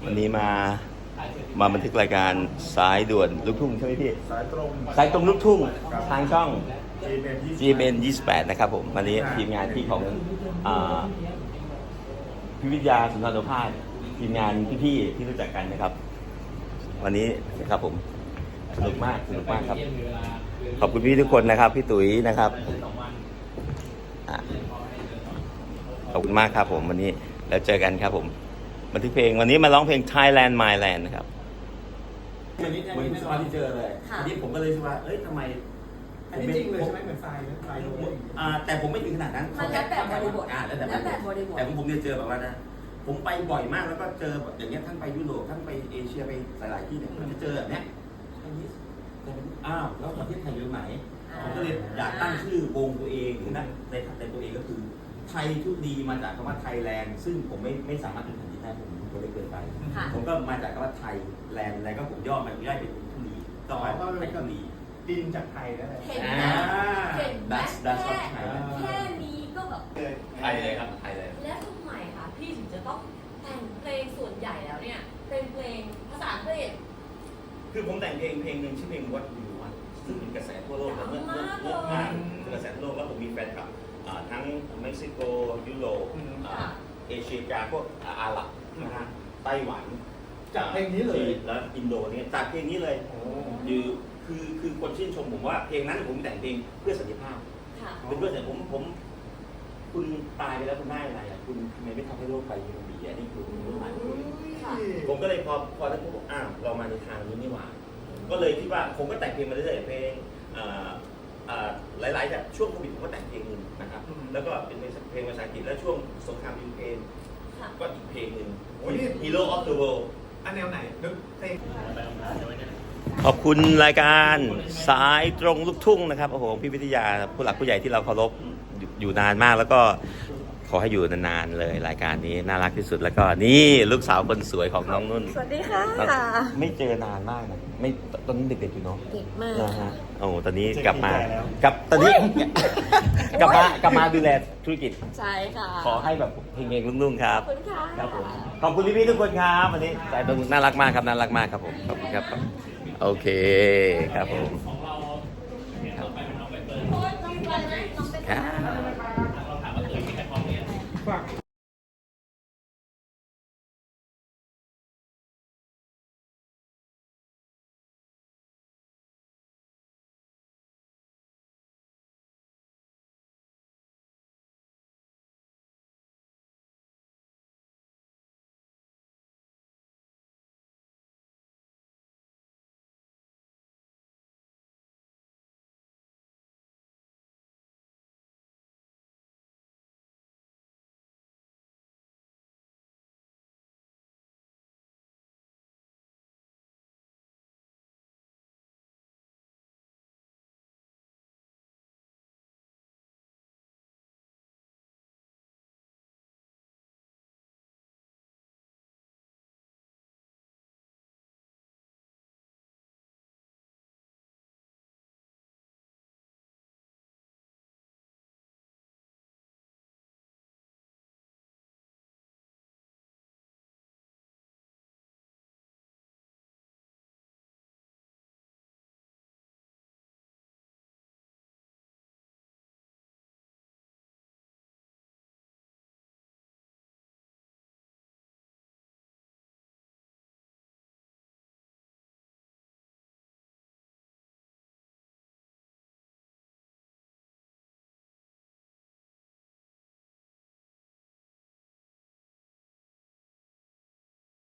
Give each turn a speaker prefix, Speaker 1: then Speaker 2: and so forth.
Speaker 1: วันนี้มาบันทึกรายการสายด่วนลูกทุ่งใช่ไหมพี่
Speaker 2: สายตรง
Speaker 1: สายตรงลูกทุ่งทางช่อง
Speaker 2: GMN
Speaker 1: 28นะครับผมวันนี้ทีมงานที่ของพิวิทยาสุนทรภาสทีมงานพี่ๆที่รู้จักกันนะครับวันนี้นะครับผมสนุกมากครับขอบคุณพี่ทุกคนนะครับพี่ตุ๋ยนะครับขอบคุณมากครับผมวันนี้แล้วเจอกันครับผมบันทึกเพลงวันนี้มาร้องเพลง Thailand My Land นะครับวันนี้เหมือนสมาที่เจอเลยวันนี้ผมก็เลยคิดว่าเอ้ยทำไม
Speaker 2: อันนี้จริงเลยใช่ไหมเหมือนทรายนะทรายโรย
Speaker 1: แต่ผมไม่ถึงขนาดนั้น
Speaker 3: มันแล้วแต่บริบท
Speaker 1: แล้วแต่บริบทแต่ผมเนี่ยเจอแบบว่านะผมไปบ่อยมากแล้วก็เจอแบบอย่างเงี้ยท่านไปยุโรปท่านไปเอเชียไปหลายๆที่เนี่ยมันจะเจอแบบเนี้ยแล้วประเทศไทยอยู่ไหนผมก็เลยอยากตั้งชื่อวงตัวเองหรือนั่นในตัวเองก็คือไทยทุกดีมาจากคำว่าไทยแลนด์ซึ่งผมไม่สามารถเป็นแผ่นดินได้ผมตัวเล็กเกินไปผมก็มาจากคำว่าไทยแลนด์อะไรก็ผมย่อมันได้เป็นทุลีต่อไปไทยทุลี
Speaker 2: ดินจากไทยแล้ว
Speaker 3: เห็นไหมแค่นี้ก็แบบ
Speaker 1: ไทยเลยครับไทยเลย
Speaker 3: และทำไมคะพี่ถึงจะต้องแต่งเพลงส่วนใหญ่แล้วเนี่ยเป็นเพลงภาษาอังกฤษ
Speaker 1: คือผมแต่งเพลงหนึ่งชื่อเพลง What Do You Want ซึ่งเป็นกระแสทั่วโลกเมื่อมากกระแสทั่วโลกแล้วผมมีแฟนคลับทั้งเม็กซิโกยุโรปเอเชียกลางพวกอาหรับไต้หวัน
Speaker 2: จากเพลงนี้เลย
Speaker 1: แล้วอินโดเนี่ยจากเพลงนี้เลยคือคนชื่นชมผมว่าเพลงนั้นผมแต่งเพลงเพื่อสันติภาพเป็นเพื่อสันติภาพผมคุณตายไปแล้วคุณได้อะไรคุณทำไมไม่ทำให้โลกไปมันดีนี่คือผมก็เลยพอแล้วผมบอกเรามาในทางนี้นี่หว่าก็เลยคิดว่าผมก็แต่งเพลงมาเรื่อยๆเพลงหลายๆจากช่วงโควิดผมก็แต่งเพลงนึงนะครับแล้วก็เป็นเพลงภาษาอังกฤษแล้วช่วงสงครามยูเครนก็อีกเพลงนึง Hero of the World
Speaker 2: อันแนวไหนนึกเพลง
Speaker 1: ขอบคุณรายการสายตรงลูกทุ่งนะครับโอ้โหพี่วิทยาผู้หลักผู้ใหญ่ที่เราเคารพอยู่นานมากแล้วก็ขอให้อยู่นานๆเลยรายการนี้น่ารักที่สุดแล้วก็นี่ลูกสาวคนสวยของน้องนุ่น
Speaker 3: สวัสดีค่ะ
Speaker 1: ไม่เจอนานมากนะไม่ตอนนี้เด็กๆอยู่เนาะ
Speaker 3: เด็กมาก
Speaker 1: นะฮะโอ้ตอนนี้กลับมาตอนนี้กลับมาดูแลธุรกิจ
Speaker 3: ใช่ค่ะ
Speaker 1: ขอให้แบบเฮงๆรุ่งๆครับ
Speaker 3: ขอบคุณค่ะ
Speaker 1: ครับผมขอบคุณพี่ๆทุกคนครับวันนี้สายตรงน่ารักมากครับน่ารักมากครับผมขอบคุณครับโอเคครับผม